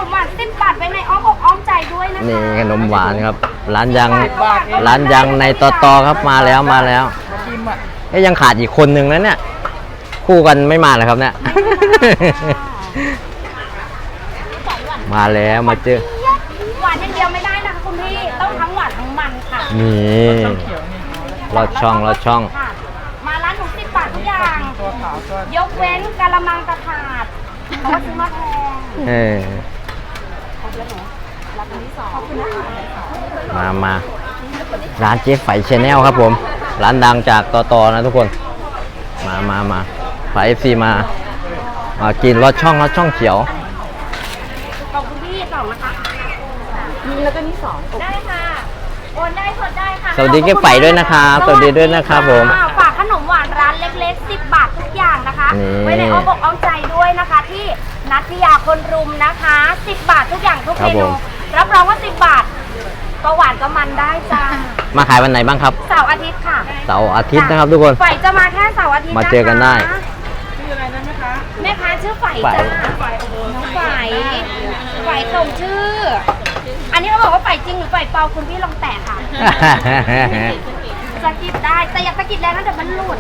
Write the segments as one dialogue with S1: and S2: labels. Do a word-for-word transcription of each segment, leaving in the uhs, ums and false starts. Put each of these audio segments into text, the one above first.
S1: มหวานสิบบาทไว้ในอ้อมอกอ้อมใจด้วยนะคะ
S2: นี่ขนมหวานครับ ร้านยังร้านยังในตอตอครับมาแล้วมาแล้วเอ๊ยยังขาดอีกคนนึงนะเนี่ยคู่กันไม่มาเลยครับเนี่ย มาแล้วมาเจอ
S1: หวานอย่างเดียวไม่ได้นะคะคุณพี่ต้องทั้งหวานทั้งมันค่ะ
S2: นี่รอดช่องรอดช่อง
S1: มาร้านหนูสิบบาททุกอย่างยกเว้นกะละมังกระถาดเพราะว่าซื้อมาแพง
S2: เออมามาร้านเจ๊ไฝชาแนลครับผมร้านดังจากตอตอนะทุกคนมามามาไฝเอฟซีมามากินรอดช่องรอดช่องเขียว
S1: ขอบคุณพี่สองนะคะมีแล้วก็นี่สองได้ค่ะโอนได้สดได้ค่ะ
S2: สวัสดีเจ๊ไฝด้วยนะครับสวัสดีด้วยนะครับผม
S1: ฝากขนมหวานร้านเล็กๆสิบบาททุกอย่างนะคะไว้ในอ้อมอกอ้อมใจด้วยนะคะที่นัทยาคนรุมนะคะสิบบาททุกอย่างทุกเมนูรับรองว่าสิบบาทก็หวานก็มันได้จ้า
S2: มาขายวันไหนบ้างครับ
S1: เสาร์อาทิตย์ค่ะ
S2: เสาร์อาทิตย์นะครับทุกคน
S1: ไฝจะมาแค่เสาร์อาทิตย์
S2: มาเจอกันได้
S1: ชื่ออะไรนะแม่ค้าแม่ค้าชื่อไฝจ้าไฝน้องไฝไฝส่งชื่ออันนี้เราบอกว่าไฝจริงหรือไฝเปล่าคุณพี่ลองแตะค่ะสกิดได้แต่อยากสกิดแรงนะเดี๋ยวมันหลุด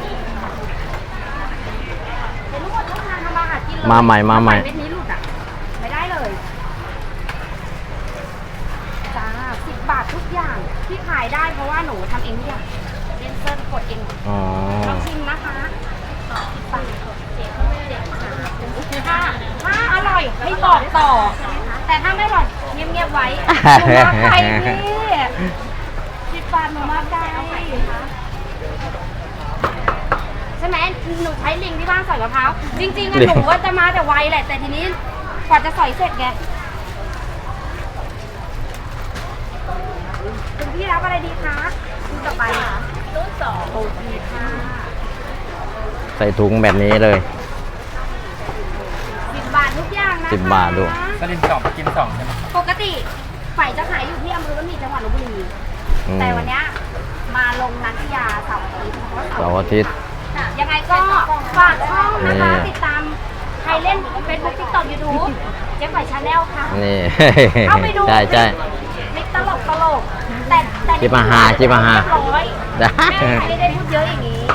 S1: เดี๋ยวลูกหมดต้องทานทำมาหากินเลย
S2: มาใหม่มาใหม่
S1: เม็ดนี้หลุดอ่ะไม่ได้เลยจ้าสิบบาททุกอย่างที่ขายได้เพราะว่าหนูทำเองทุกอย่างเล่นเซิร์ฟกดเองลองชิมนะคะถ้าถ้าอร่อยให้บอกต่อแต่ถ้าไม่อร่อยเงียบๆไว้หนูมาไกลนี่สิบบาทหนูมาไกลใช่ไหมหนูใช้ลิงที่บ้านสอยมะพร้าวจริงๆอะหนูว่าจะมาแต่ไวแหละแต่ทีนี้กว่าจะสอยเสร็จไงคุณพี่รับอะไรดีคะคุณต่อไปรุ่นสองโอเคค่ะ
S2: ใส่ถุงแบบนี้เลย
S1: สิบบาททุกอย่างนะคะ
S2: สิบบาทดู
S3: สลิมสองกินสองใช่ไหม
S1: ปกติไฝจะขายอยู่ที่อำเภอบ้านหมี่จังหวัดลพบุรีแต่วันนี้มาลงนันทยาเสาร์อาทิตย์
S2: เสาร์อาทิตย์
S1: ยังไงก็ฝากช่องนะคะติดตามใครเล่นเฟซบุ๊กติ๊กต็อกยูทูบเจ๊ไฝชาแนลค่ะ
S2: นี่
S1: เข้าไปดู
S2: ใช่ใช่
S1: มิกตลกตลกแต่แต่
S2: จิบมาหาจิบมาหา
S1: แม่ไม่ได้พูดเยอะอย่างนี้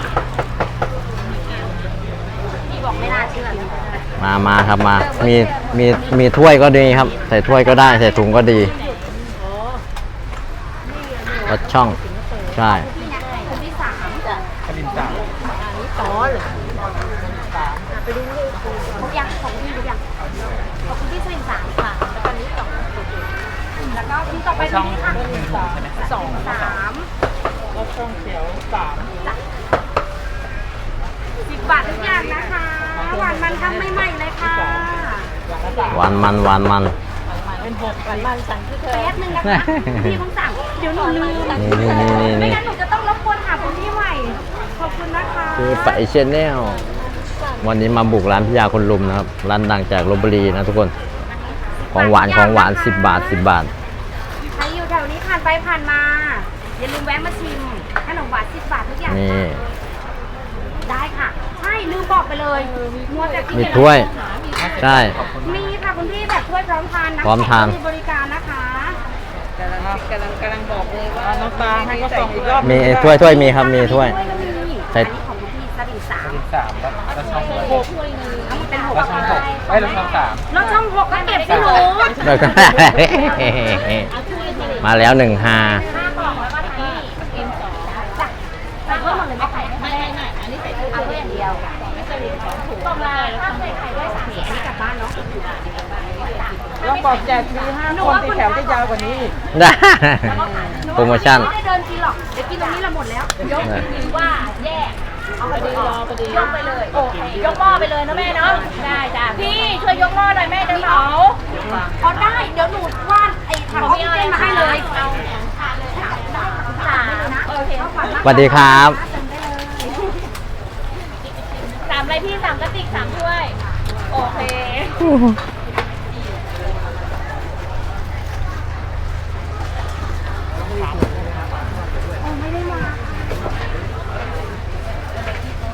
S1: พี่บอกไม่น่าเชื่อ
S2: มามาครับมามีมีมีถ้วยก็ดีครับใส่ถ้วยก็ได้ใส่ถุงก็ดีรสช่องใช่
S1: คนที่สามจ้ะ
S3: สลิมสาม
S1: อันนี้ต่อเลยไปดูเลยทุกอย่างของพี่ทุกอย่างขอบคุณที่สลิมสามค่ะแล้วตอนนี้สองแล้วก็ที่ต่อไปนี่ค่ะสองสาม
S3: รสช่องเขียวสาม
S1: สิบบาททุกอย่างนะคะหวานมันทำใหม่ๆเลยค่ะ
S2: หวานมันหวานมัน
S1: เป็นหกหวานมันสั่งที่เธอแป๊บนึงนะคะพี่ต้องสั่งเดี๋ยวหนูลืมไม่งั้นหนูจะต้องรบกวนหาคนที่ใหม่ขอบคุณนะคะ
S2: คือไฝชาแนลวันนี้มาบุกร้านพิยาคนลุมนะครับร้านดังจากลพบุรีนะทุกคนของหวานของหวานสิบบาทสิบบาท
S1: ใครอยู่แถวนี้ผ่านไปผ่านมาอย่าลืมแวะมาชิมขนมหวานสิบบาททุกอย่าง
S2: นี่
S1: ได้ค่ะใช่ลืมบอกไปเลย
S2: มีถ้วยใช่
S1: มีค่ะคุณพี่แบบถ้วยพร้อมทานนะ
S2: พร้อมทาน
S1: มีบริการนะคะ
S3: กำลังกำลังกำลังบอกเลยว่าน้ำตาให้ก็ส่งอีกรอบ
S2: มีถ้วยถ้วยมีครับมีถ้วย
S1: ใช่ของคุณพี่สลิมสาม
S3: สามแล้วช่องหก
S1: เป็นหก
S3: แล้วช่องหกไอ้แล้วช่องสาม
S1: แล้วช่องหกก็เก็บที่หนู
S2: มาแล้วหนึ่งฮา
S1: ใส่เพิ่มหมดเลยไม่ไข่ไม่ได้ไม่อันนี้ใส่เพิ่มเอาเพื่ออย่างเดียวต้มละถ้าใส่ไข่ด้วยสามสีอันนี้กลับบ้านเนาะ
S3: ลองบอกแจกฟรีห้าคนที่แถวจะยาวกว่านี้
S2: ได้โปรโมชั่น
S1: ไม่ได้เดินกินหรอกเดี๋ยวกินตรงนี้เราหมดแล้วยกหรือว่าแยกเอาไปรอไปดียกไปเลยโอเคยกหม้อไปเลยนะแม่เนาะได้จ้ะพี่ช่วยยกหม้อหน่อยแม่จะเผาเอาได้เดี๋ยวหนูว่านไอ้ถังออกซิเจนมาให้เลยเอา
S2: สวัสดีครับ
S1: สามอะไรพี่สามกระติกสามถ้วยโอเคไม่ได้มา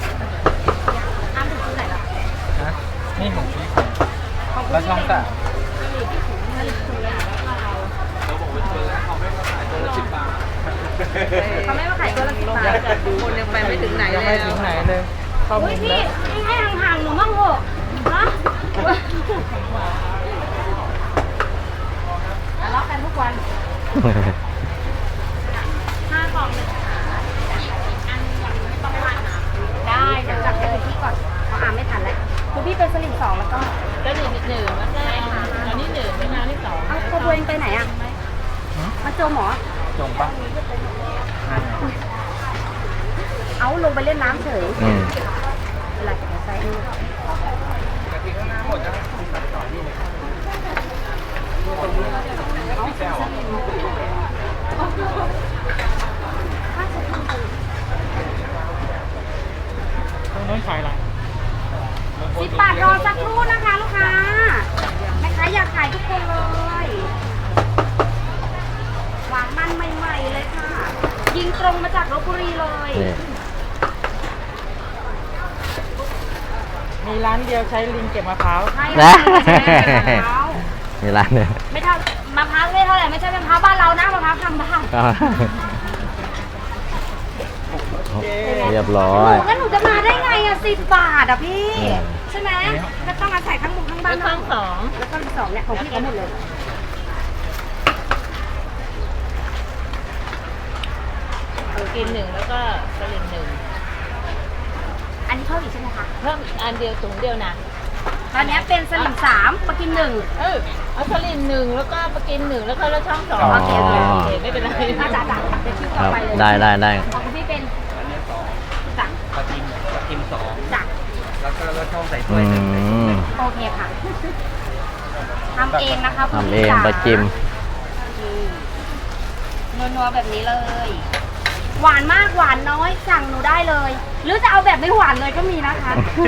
S1: อ้ามถึงที่ไหนล่ะ
S3: นี่ของพี่แล้วช่องสาม
S1: เขาไม่มาขายตัวละสิบบาท
S3: คนยังไปไม่ถึงไหนเลยยังไม่ถึงไหนเลยเข้า
S1: อุ้
S3: มุ
S1: ย
S3: ม
S1: พี่
S3: แล้ว
S1: พี่ให้ห่างๆหนูมั่งเหอะนะทะเลาะกันทุกวันห้ากล่องเลยอันยังไม่ต้องผ่านนะได้เดี๋ยวจับเลยพี่ก่อนเพราะอ่านไม่ทันแล้วคือพี่เป็นสลิมสองแล้วก็
S4: ก็หนึ่งหนึ่งแล้วก็อันนี้หนึ่งแล้วอันนี้สอง
S1: เอาตัวเองไปไหนอ่ะมาเจอหมอ
S3: จงปะ
S1: เอาลงไปเล่นน้ำเฉย
S2: อืม
S1: อะไรเดี๋ยวใส่ดูถ้าจะทำ
S3: ตรงนู้นขายอะไร
S1: สิบบาทรอสักครู่นะคะลูกค้าแม่ค้าอยากขายทุกคนเลยหวานมันใหม่ๆเลยค่ะ ยิงตรงมาจากลพบุรีเลย
S2: นี่
S3: มีร้านเดียวใช้ลิงเก็บมะพร้าว
S1: ใช่
S2: นะ
S1: ค่ะ
S2: มีร้านเนี่ย
S1: ไม่เท่ามะพร้าวไม่เท่าไหร่ไม่ใช่มะพร้าวบ้านเรานะมะพร้าวทำบ้าน
S2: เรียบร้
S1: ห
S2: อย
S1: นูงั้นหนูจะมาได้ไงอ่ะสิบบาทอ่ะพี่
S2: อืม
S1: ใช่ไหมก็ต้องอาศัยทั้งหมดทั้งบ้า
S4: แล้
S1: น
S4: วข้างสอง
S1: แล้วก็สองเนี่ยของพี่เขาหมดเลย
S4: กินหนึ่งแล้วก็สลิมหนึ่ง
S1: อันนี้เพิ่มอีกใช่ไหมคะ
S4: เพิ่มอีกอันเดียวถุงเดียวนะ
S1: ตอนนี้เป็นสลิมสามปลากิมหนึ่ง
S4: เออเอาสลิมหนึ่งแล้วก็ปลากินหนึ่งแล้วก็แล้วช่องสอง
S1: โอเคโอเค
S4: โอเคไม่เป็นไร
S1: อาจารย์จ่ายเดี๋ยวคิว
S2: ค
S1: ต่อ
S2: รับ
S1: ไปเลย
S2: ได้ได้ได้
S1: ของคุณพี่เป็นจัก
S3: ปลาทิมปลาทิมสอง
S1: จัก
S3: แล้วก็แล้วช่องใส่ถ้
S2: อื
S3: วยหนึ่ง
S2: ม
S1: โอเคค่ะทำเองนะคะคุณ
S2: ทำเอ
S1: พี่
S2: ง
S1: จ๋า
S2: ปลาจิม
S1: นี่นัวๆแบบนี้เลย หวานมากหวานน้อยสั่งหนูได้เลย หรือจะเอาแบบไม่หวานเลยก็มีนะคะ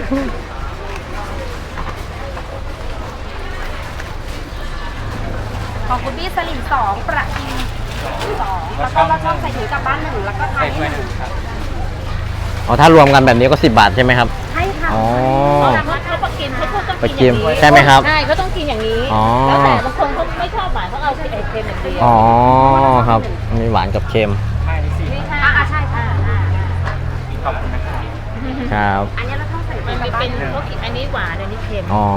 S1: ของคุณพี่สลิมสองประกินสองแล้วก็เราชอบใส่ถุงกลับบ้านหนึ่งแล้วก็ไท
S3: ใส่
S1: ย
S3: ถ้วย
S1: ห
S3: ห
S1: นึ่
S3: นึ่
S1: ง
S3: งครับ
S2: อ๋อถ้ารวมกันแบบนี้ก็สิบบาทใช่ไหมครับ
S1: ใช่ค่ะ
S2: อ๋อ
S4: แต่ว่าเขาปลากินเขาต้อง
S2: ปลา
S4: กิน
S2: จิ
S4: อ
S2: ม
S4: ย่างนี้
S2: ใช่ไหมครับ
S4: ใช่เขาต้องกินอย่างนี้
S2: อ๋อ
S4: แล้วแต่บางคนเขาไม่ชอบหวานเขาเอาไอ้เค็มอย่างเดียว
S2: อ๋อครับ มีหวานกับเค็ม
S3: ใช่สี่
S4: นี่ค่ะ
S1: อ่าใช่ใช่
S3: ขอบคุณนะครับ
S2: ครับ
S1: อันนี้เราต้องใส่ถุ
S4: มัน
S1: งกลั
S4: มี
S1: บบ้า
S4: เป็น
S1: นหนึ่ง
S4: เขากินอันนี้หวานอันนี้เค็ม
S2: อ๋อ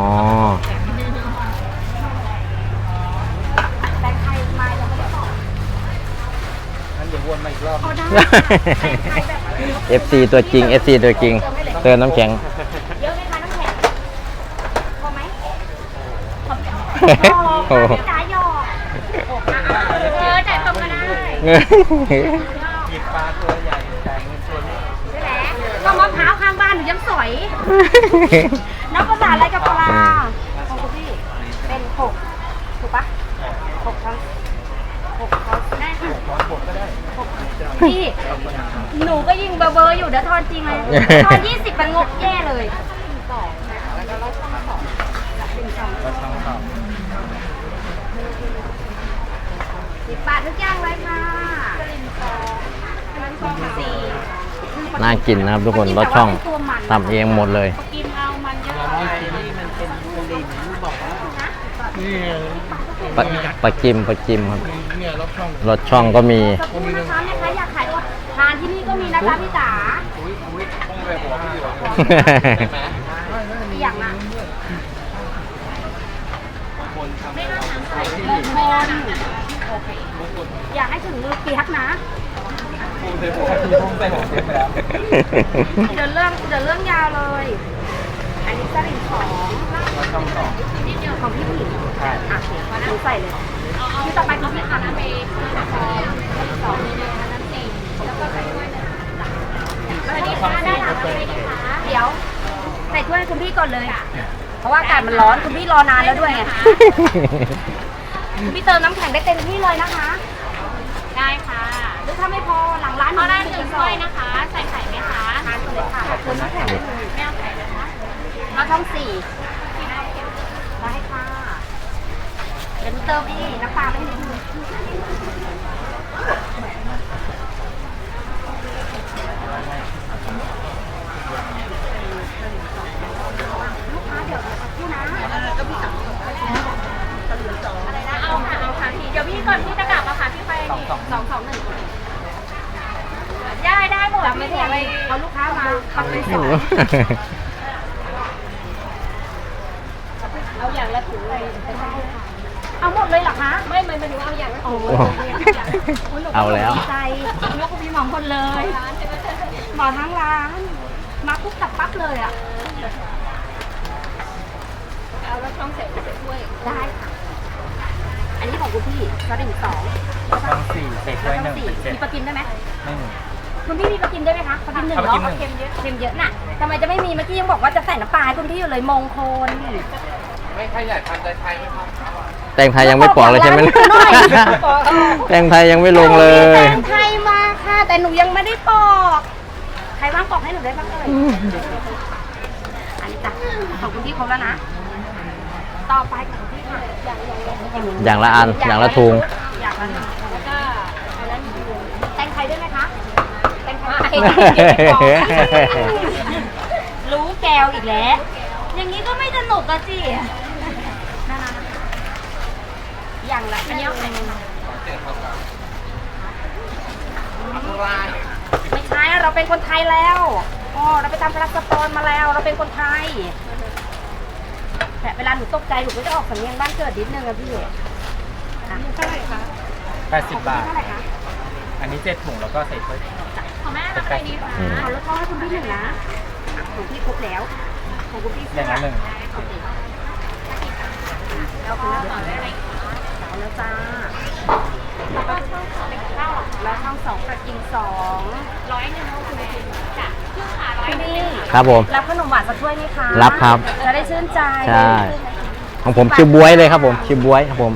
S1: แตงไทยมายังไม่ได้บอก
S3: งั้นเดี๋ยววนมาอีกรอบ
S1: เอาได้แตงไทยแบบ
S2: เอฟ ซี ตัวจริง เอฟ ซี ตัวจริง เติมน้ำแข็ง
S1: เยอะไหมคะน้ำแข็งพอไหมพอ
S2: โอ้
S1: พี่จ๋าหยอกเออจ่ายตรงก็ได้
S3: หยิบปลาตัวใหญ่จ่ายเงินตัวเล็ก
S1: ใช่ไหมก็มะพร้าวข้างบ้านหนูยังสอยน้ำภาษาอะไรกับปลาของคุณพี่เป็นหกถูกปะหกช้อนหกช้อนได้ค่ะ
S3: ร้อนบดก็ได้
S1: หกพี่หนูก็ยิงเบอร์เบอร์อยู่เดี๋ยวทอนจริงเลยทอนยี่สิบมันงกแย่เลยสองแล้วก็ช่องสองเป็นสอง
S3: ก็ช่องต่อ
S1: สิบบาททุกอย่างเลยค่ะสองสี่
S2: น่ากินนะครับทุกคนรสช่องทำเองหมดเลย
S1: กินเอามันเยอะ
S3: เราไม่กินนี่มันเป็นสลิมบอกว่านี่
S2: ปลาปลาจิมปลาจิมครับ
S3: เนี่ยรอบช่อง
S2: รสช่องก็มี
S1: สักครู่นะคะแม่ค้าอยากขายทานที่นี่ก็มีนะคะพี่จ๋า
S3: อุ้ยอุ้ยต้องไปหัวพี่หรอ
S1: อีกอย่างอ่ะ
S3: คนทำ
S1: มงคลอยากให้ถึงมือเปียกนะ
S3: พูดไปหัวพี่ต้องไปหัวเสียไปแล้ว
S1: เดี๋ยวเรื่องเดี๋ยวเรื่องยาวเลย อันนี้สลิงของ
S3: รอบช่องต่อ
S1: ของพี่ผู้หญิง
S3: ใช่
S1: อ่ะโอเคหนูใส่เลยที่ต่อไปคือพี่ค่ะน้ำเมย์สองน้ำสี่แล้วก็ใส่ถ้วยหนึ่งสวัสดีค่ะได้หลังเลยนะคะเดี๋ยวใส่ถ้วยให้คุณพี่ก่อนเลย เพราะว่าอากาศมันร้อนคุณพี่รอนานแล้วด้วยไง คุณพี่เติมน้ำแข็งได้เต็มที่เลยนะคะ ได้ค่ะหรือถ้าไม่พอหลังร้านเอาได้หนึ่งถ้วยนะคะ ใส่ไข่ไหมคะทานเลยค่ะเติมน้ำแข็งได้เลยไม่เอาไข่นะคะเราช่องสี่ได้ค่ะเดี๋ยวหนูเติมอีกน้ำปลาไม่นิดนึงลูกค้าเดี๋ยวสักครู่นะก็พี่สั่งจำไม่ได้อะไรเอาลูกค้ามาปักเป็นสองเอาอย่างละถุงเลยเอาหมดเลยเหรอคะไม่ไม่ไม่ถึงเอาอย่างละถุง
S2: เอาแล้ว
S1: ดีใจยกพี่หมองคนเลยหมอทั้งร้านมาปุ๊บตับปั๊บเลยอ่ะเอาแล้วช่องเสร็จถ้วยได้ค่ะอันนี้ของคุณพี่กระดิ่งสอง
S3: ต้องสี่เศษด้วยหนึ่ง
S1: สี่
S3: เป็นเจ็ด
S1: มีปลากินได้ไหม
S3: ไม่หนึ่ง
S1: คุณพี่มีปลากินได้ไหมคะปลากินหนึ่ง
S3: เอาปลากินหนึ่
S1: เนาะ
S3: ง
S1: เค็มเยอะเค็มเยอะน่ะทำไมจะไม่มีเมื่อกี้ยังบอกว่าจะใส่น้ำปลาให้คุณพี่อยู่เลยมงคล
S5: ไม่ใครอยากทานใจไทยไหมครับ
S2: แตงไทยยังไม่ปอกเลยใช่ไหม
S1: หน่อย
S2: แตงไทยยังไม่ลงเลย
S1: แตงไทยมาค่ะ แต่หนูยังไม่ได้ปอก ใครว่างปอกให้หนูได้บ้างเอ่ยอันนี้จ้ะของคุณพี่ครบแล้วนะ ต่อไปของคุณพี่ค่ะอย่างอย่าง
S2: อย่างละอันอย่างละทุง
S1: อย่างละหนึ่งแล้วก็อันนั้นแตงไทยได้ไหมคะแตงไทยรู้แกวอีกแล้ว อย่างนี้ก็ไม่สนุกอะสินั่นๆอย่างละอันนี้เอาไปไม่ใช่เราเป็นคนไทยแล้วอ๋อเราไปทำพลาสปอร์ตมาแล้ว เราเป็นคนไทยแต่เวลาหนูตกใจหนูก็จะออกสำเนียงบ้านเกิดนิดนึงอะพี่อ่ะเท่าไหร่คะ
S3: แปดสิบบาท
S1: เท่าไหร่คะ
S3: อันนี้เจ็ดถุงแล้วก็ใส่ถ้วย
S1: ของแม่ราคาดีค่ะเอาแล้วก็ให้คุณพี่หนึ่งนะของพี่ครบแล้วของคุณพี่
S3: อย่างละหนึ่ง
S1: โอเคเอาคุณต่อได้ไหมเอาแล้วจ้าแล้วก็ช่องสองเป็นข้าวแล้วช่องสองกระกินสองร้อยหนึ่งคุณพี่จ้ะครึ่งขาร้อยหนึ่ง
S2: ครับผม
S1: รับขนมหวานสักถ้วยไหมคะ
S2: รับครับ
S1: จะได้ชื่นใจ
S2: ใช่ของผมชิวบวยเลยครับผมชิวบวยครับผม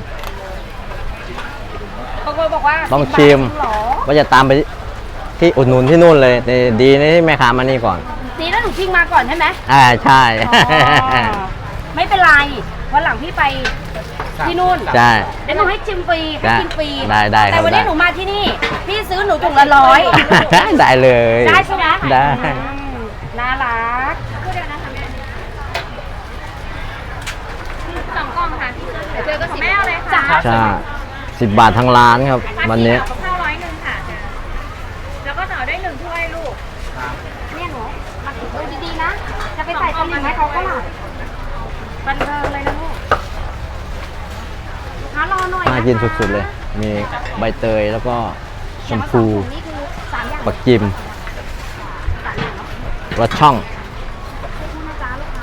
S1: บางคนบอกว่า
S2: ต้องชิม
S1: สิบบาทจริงเหรอ
S2: ว่าจะตามไปที่อุดหนุนที่นู่นเลยแต่ดีนะที่แม่ค้ามานี่ก่อน
S1: ดีแล้วหนูชิงมาก่อนใช่ไหม
S2: อ่าใช่
S1: อ๋อไม่เป็นไรวันหลังพี่ไปที่นู่น
S2: ใช่
S1: เดี๋ยวหนูให้ชิมฟรีให้
S2: ได้
S1: กินฟรี
S2: ได้ได้ครับ
S1: แต่วันนี้
S2: ได้
S1: หนูมาที่นี่ พี่ซื้อหนูถุงละร้อย
S2: ได้เลย
S1: ได้ใช่ไหม
S2: ได้
S1: อืมน่ารักพูดเดียวนะคะแม่สองกล่องค่ะพี่เดี๋ยวเจอก็สิบแม่เอาเลยค่ะ
S2: ใช่สิบบาททางร้านครับ วันนี้
S1: กับข้าวร้อยหนึ่งค่ะ แล้วก็ต่อได้หนึ่งถ้วยลูกเนี่ยหนูมาดูดีๆนะ จะไปใส่ตะลิงให้เขาก็หลับบันเทิงเลยนะลูกหารอหน่อยะคะ
S2: น่ากินสุดๆเลย มีใบเตยแล้วก็ชมพู
S1: นี่คือสามอย่าง
S2: ปักจิม
S1: สามอย่างเนาะ
S2: รสช่อง
S1: คุณนะจ๊ะลูกค้า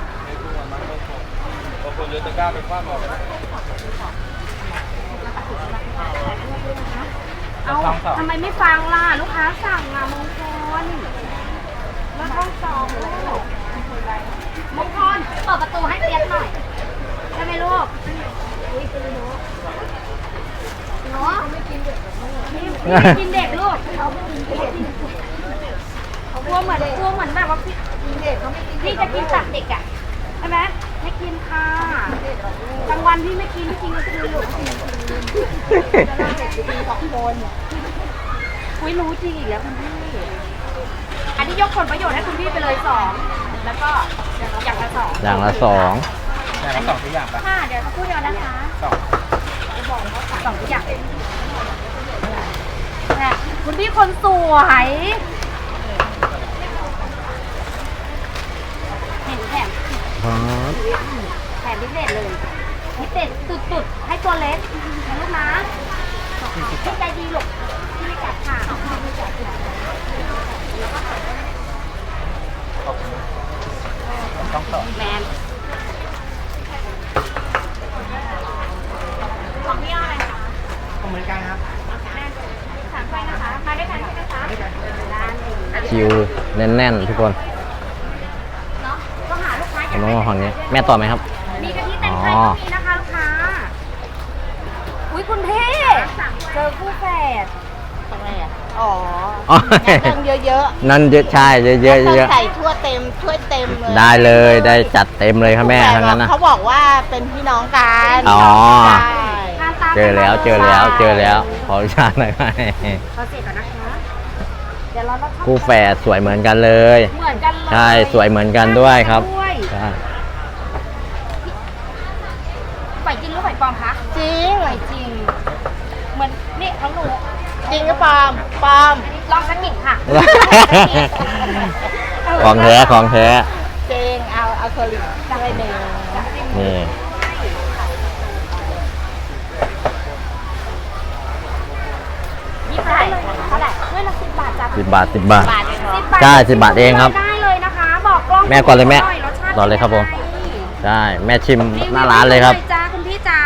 S5: บางคนเลือกตะกร้าไปคว้าหมอกัน
S1: เอาทำไมไม่ฟังล่ะ ลูกค้าสั่งอ่ะมงคลแล้วห้องสองลูกมงคลเปิดประตูให้เปียกหน่อยได้ไหมลูกอุ้ยคือหนูหนูไม่กินเด็กไม่กินเด็กลูกเขาไม่กินเด็กเขากลัวเหมือนกลัวเหมือนแบบว่าพี่เด็กเขาไม่กินพี่จะกินตัดเด็กอ่ะใช่ไหมไม่กินค่ะกลางวันพี่ไม่กินพี่กินกลางคืนลูกสองคนอุ้ยรู้จริงอีกแล้วคุณพี่อันนี้ยกผลประโยชน์ให้คุณพี่ไปเลยสองแล้วก็อย่างละสอง
S2: อย่างละสอง
S3: อย่างละสองทุกอย่างปะ
S1: ค่ะเดี๋ยวสักครู่เดียวนะคะ
S3: สอง
S1: สองทุกอย่างเนี่ยคุณพี่คนสวย เห็นแถม
S2: อ๋อ
S1: แถมพิเศษเลยพิเศษสุดๆ ให้ตัวเล็กนะลูกนะพี่ใจดีลูกพี่ไม่กัดค่ะ
S3: ต้องสอง
S1: แมนของพี่อะไรคะ
S3: เหมือนกันครับ
S1: สามไฟนะคะมาด้วยกันใช่ไหมคะร้านหนึ่ง
S2: คิวแน่นๆทุกคน
S1: เนาะก็หาลูกค้าอ
S2: ผ
S1: ยาม ก
S2: ต้อง
S1: ได้
S2: มาฝั่งนี้ แม่ต่อไหมครับ
S1: มีกะทิแตงไทยก็มีนะคะลูกค้า อุ้ยคุณพี่เจอคู่แฝด
S4: ทำไมอ่ะ อ๋อ
S2: อ๋อ
S4: เติมเยอะ
S2: นั่นเยอะใช่เยอะๆเยอะ
S4: ๆ
S2: เยอะ
S4: ใส่ทั่วเต็มถ้วยเต็มเลย
S2: ได้เลยได้จัดเต็มเลยครับแม่ทั้งนั้นนะ
S4: เขาบอกว่าเป็นพี่น้องกัน
S2: อ๋อ
S4: ใช่
S1: ทานตาม
S2: เจอแล้วเจอแล้วเจอแล้วขออนุญาตหน่อยไหม
S1: ขอเสร็จก่อนนะคะ เดี๋ยวเราเรา
S2: คู่แฝดสวยเหมือนกันเลย
S1: เหมือนกันเลย
S2: ใช่สวยเหมือนกันด้วยครับ
S1: ด้วย
S2: ใช่
S1: ไหวจริงหรือไหวปลอมคะ
S4: จริง
S1: ไหวจริง เหมือนนี่ของหนู
S4: จริงก็ปาล์มปาล์ม
S1: ลองสักกิ่งค่ะ
S2: ของแท้ของแท้
S4: เจงเอาเอาเคอรี่ด้วยหนึ่ง
S2: นี่
S1: ยี่สิบได้เท่าไหร่ด้วยละสิบบาทจ้ะ
S2: สิบบาทสิบบาท
S4: บาทเองเหรอ
S1: สิบบาท
S2: ใช่สิบบาทเองครับ
S1: ได้เลยนะคะ บอกกล้อง
S2: แม่ก่อนเลยแม่
S1: หรสชาติ
S2: ต่อเลยครับผม
S1: ป็นไง
S2: ใช่แม่ชิมหน้าร้านเลยครับ
S1: จ้าคุณพี่จ๋า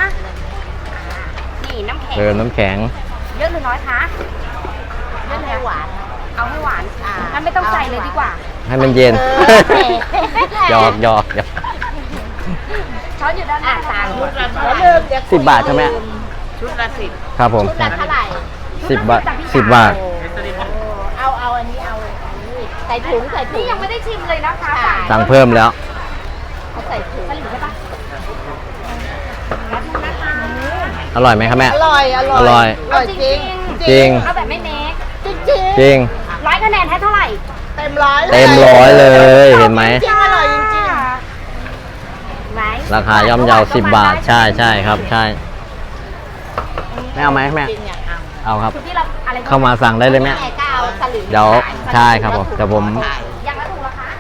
S1: นี่น้ำแข็ง
S2: เติมน้ำแข็ง
S1: เยอะหรือน้อยคะเยอะเลยหวาน เอาให้หวานงั้นไม่ต้องใส่เลยดีกว่า
S2: ให้มันเย็น หยอกหยอกหยอก
S1: ช้อนอยู่ด้านหน้า
S4: สามชุดละ
S1: แล้
S4: เท่าว ไหร่
S1: ลืม
S2: สิบบาทใช่ไหม
S4: ชุดละสิบ
S2: ครับผม
S4: ชุดละเท่าไหร่
S2: สิบบาทสิบบาท
S4: เอาเอาอันนี้เอาอันนี้ใส่ถุงใส่ถุ
S1: นี่
S4: ง
S1: ยังไม่ได้ชิมเลยนะคะ
S4: ค่ะ
S2: สั่งเพิ่มแล้ว
S4: เขาใส่ถุง
S1: สลิมใช่ปะรับนะคะ
S2: อร่อยไหมครับแม่
S4: อร่อยอร่อย
S2: อร่อย
S4: อร่อยจริง
S2: จริง
S1: เอาแบบไม่เมค
S4: จริงจริง
S2: จริง
S1: ร้อยคะแนนให้เท่าไหร่
S4: เต็มร้อยเลย
S2: เต็มร้อยเลยเห็นไหม
S4: จริงอร่อยจริง
S1: ไหน
S2: ราคาย่อมเยาสิบบาท ใช่ใช่ครับ ใช่แม่เอาไหมแม่
S4: จริงอยากเอา
S2: เอาครับ
S1: คุณพี่เราอะไร
S2: เข้ามาสั่งได้เลยแม่
S4: แม่ก็เอาสลิม
S2: เดี๋ยวใช่ครับผมเดี๋ยวผม
S1: อย่างละถุงละคะ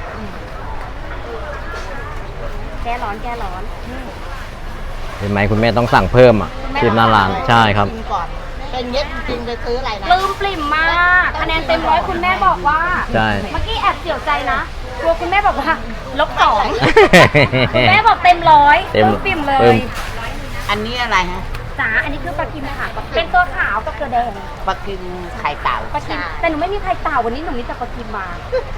S1: แก้ร้อนแก้ร้อน
S2: เห็นไหมคุณแม่ต้องสั่งเพิ่มอ่ะชิมหน้าร้านใช่ครับ
S4: กินก่อนเป็นเย็ดจริงไปซื้ออะไรนะ
S1: ปลื้มปริ่มมากคะแนนเต็มร้อยคุณแม่บอกว่า
S2: ใช่
S1: เมื่อกี้แอบเสียวใจนะกลัวคุณแม่บอกว่าลบสองคุณแม่บอกเต็มร้อย
S2: เต็ม
S1: ปลื้มปริ่มเล
S2: ปลื้
S1: ย
S2: ม
S4: อันนี้อะไรฮะ
S1: จ๋าอันนี้คือปลากิมค่ะเป็นตัวขาวกับตัวแดง
S4: ปลากินไข่เต่า
S1: ปลากิมแต่หนูไม่มีไข่เต่าวันนี้หนูมีแต่ปลากิมมา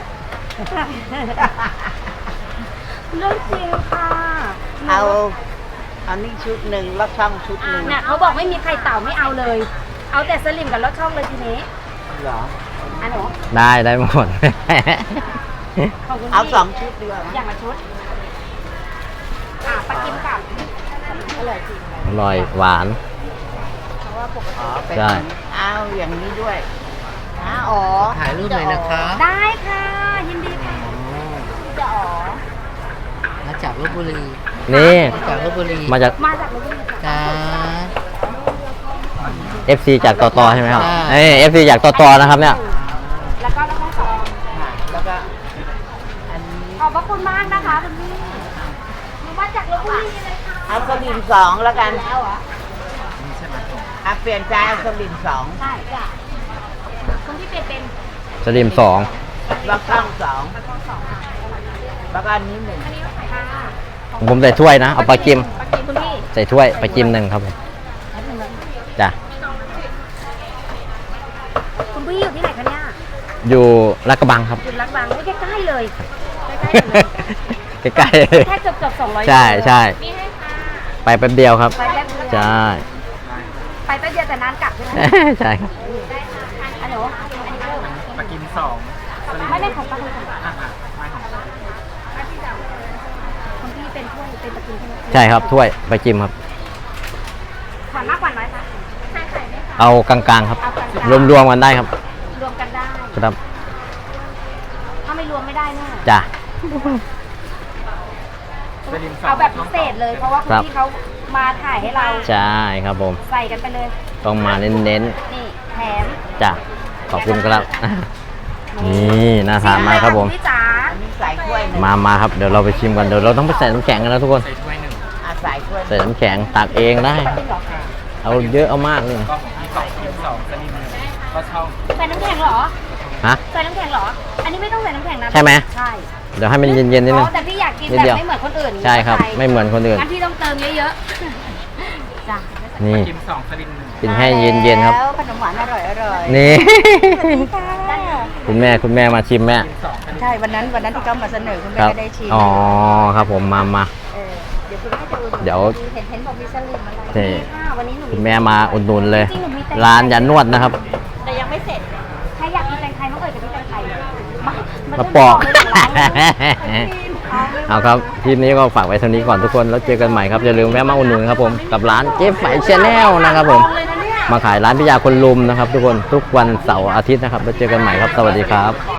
S1: เรื่องจริงค่ะ
S4: เอาอันนี้ชุดหนึ่งแล้วช่องชุดหนึ่ง
S1: เนี่ยเขาบอกไม่มีไข่เต่าไม่เอาเลย เอาแต่สลิมกับรสช่องเลยทีนี้
S4: เหรอ
S1: อันหนู
S2: ได้ได้หมด
S1: ของคุณพี่
S4: เอาสองชุดดีกว่า
S1: อย่างละชุดอ่ะปลากิมกับอร่อยจริง
S2: อร่อยหวาน
S1: เพราะว่าปก
S4: อ๋
S1: ติ
S4: อเป็น
S2: ใช่
S4: เอาอย่างนี้ด้วยอ๋ออ๋อ
S5: ถ่ายรูปหน่อยนะคะ
S1: ได้ค่ะยินดีค่ะจะอ๋อ
S5: มาจากลบบุรี
S2: นี่
S5: มาจากลบบุรี
S2: มาจาก
S1: มาจากลพบุรีค่ะ
S5: จ้า
S2: เอฟซี จากตอตอใช่ไหมครับ
S5: ใช่
S2: เอ้เอฟซีจากตอตอนะครับเนี่ย
S1: แล้วก็แล้วก็สอง
S4: ค่ะแล้วก็อันนี้
S1: ขอบพระคุณมากนะคะคุณพี่หนูมาจากลพบุรีเลยค่ะ
S4: เอาสลิมสองแล้วกัน
S1: แล้วเหรอ
S4: อ่ะเปลี่ยนใจเอาสลิมสอง
S1: ใช่จ้ะคุณพี่เป็นเป็น
S2: สลิมสอง
S4: แล้วช่องสอง
S1: ช่องสองค่ะ
S4: แล้วก็อันนี้หนึ่ง
S1: อันนี้ค่ะ
S2: ผมใส่ถ้วยนะ เอาปลากิม
S1: ปลากิมคุณพี่
S2: ใส่ถ้วยปลากิมหนึ่งครับผมจ้ะ
S1: คุณพี่อยู่ที่ไหนคะเนี่ย
S2: อยู่ลาดกระบังครับ
S1: อยู่รักบางไม่ใกล้ๆเลยใกล้ๆเลย
S2: ใกล้
S1: แค่เกือบเกือบสองร้อย
S2: ๆใช่ใช่
S1: นี่ให้ค่ะ
S2: ไปแป๊บเดียวครับ
S1: ไปแป๊บเดียว
S2: ใช่
S1: ไปแป๊บเดียวแต่นานกลับใช่ไหม
S2: ใช่ครับ
S1: ได้ค่ะอันหนูอันนี้เพิ่ม
S5: มากินสอง
S1: ไม่ไม่ของป้าคุณค่ะ
S5: อ่ะอ่ะไม่ของ
S1: คุณพี่เป็นถ้วยเป็นตะกินใช่ไหม
S2: ใช่ครับถ้วยปลากิมครับ
S1: ขวัญมากขวัญน้อยคะใช่ใส่ไหมคะ
S2: เอากลางๆครับ
S1: เอากลางๆ
S2: รวมๆกันได้ครับ
S1: รวมกันได้
S2: ครับ
S1: ถ้าไม่รวมไม่ได้แน่
S2: จ้ะ
S1: เอาแบบพิเศษเลยเพราะว่าคุณ
S2: ครับ
S1: พี่เขามาถ่ายให้เรา
S2: ใช่ครับผม
S1: ใส่กันไปเลย
S2: ต้องมาเน้น
S1: นี่แถม
S2: ๆจ้ะขอบคุณครับ นี่น่าทานมากครับผม
S1: พี่จ๋า
S4: อันนี้ใส่ถ้วยหนึ่ง
S2: มามาครับเดี๋ยวเราไปชิมกันเดี๋ยวเราต้องไปใส่น้ำแข็งกันนะทุกคน
S5: ใส่ถ้วยหนึ่ง
S4: อ่ะใส่ถ้วยห
S2: ใส่
S4: นึ่ง
S2: น้ำแข็งตักเองได้ เอาเยอะเอามากเลย
S5: ก็ของพี่สองกินสองสลิมหนึ่งก็ช่อง
S1: ใส่น้ำแข็งเหรอ
S2: ฮะ
S1: ใส่น้ำแข็งเหรอ อันนี้ไม่ต้องใส่น้ำแข็งนะ
S2: ใช่ไหม
S1: ใช่
S2: เดี๋ยวให้มันเย็นๆนิดนึง
S1: อ๋อแต่พี่อยากกิน
S2: นิด
S1: แบบ
S2: เดียว
S1: ไม่เหมือนคนอื่น
S2: ใช่ครับ ไม่เหมือนคนอื่น
S1: งั้นพี่ต้องเติมเยอะๆ จ้ะ
S2: นี่
S5: กินสองสลิมหนึ่ง
S2: กินให้เย็นๆครับ
S4: แล้วขนมหวานอร่อยอร่อย
S2: นี่
S1: ค่ะ
S2: คุณแม่คุณแม่มาชิมแม่
S5: กินสองสลิม
S4: ใช่วันนั้นวันนั้นที่เขามาเสนอคุณ
S2: ค
S4: แม่
S2: รับ
S4: ก็ได้ชิม
S2: อ๋อครับผมมามา
S4: เออเดี๋ยวคุณแม่จะอุ่น
S2: เดี๋ยว
S4: เห็นเห็นบอกมีสลิมอะไร
S2: นี่
S1: ค่ะวันนี้หนู
S2: คุณแม่มาอุดหนุนเลย
S1: จริงๆหนูมีแต่
S2: ร้านยันนวดนะครับ
S4: แต่ยังไม่เสร็จ
S1: ใครอยากกินแตงไทยน้องเอ๋ยกับพี่แตงไทยมา
S2: มาปอก เอาครับคลิปนี้ก็ฝากไว้เท่านี้ก่อนทุกคนแล้วเจอกันใหม่ครับอย่าลืมแวะมาอุดหนุนครับผมกับร้านเจ๊ไฝชาแนลนะครับผมมาขายร้านพิยาคนลุมนะครับ ทุกคนทุกวันเสาร์อาทิตย์นะครับแล้วเจอกันใหม่ครับสวัสดีครับ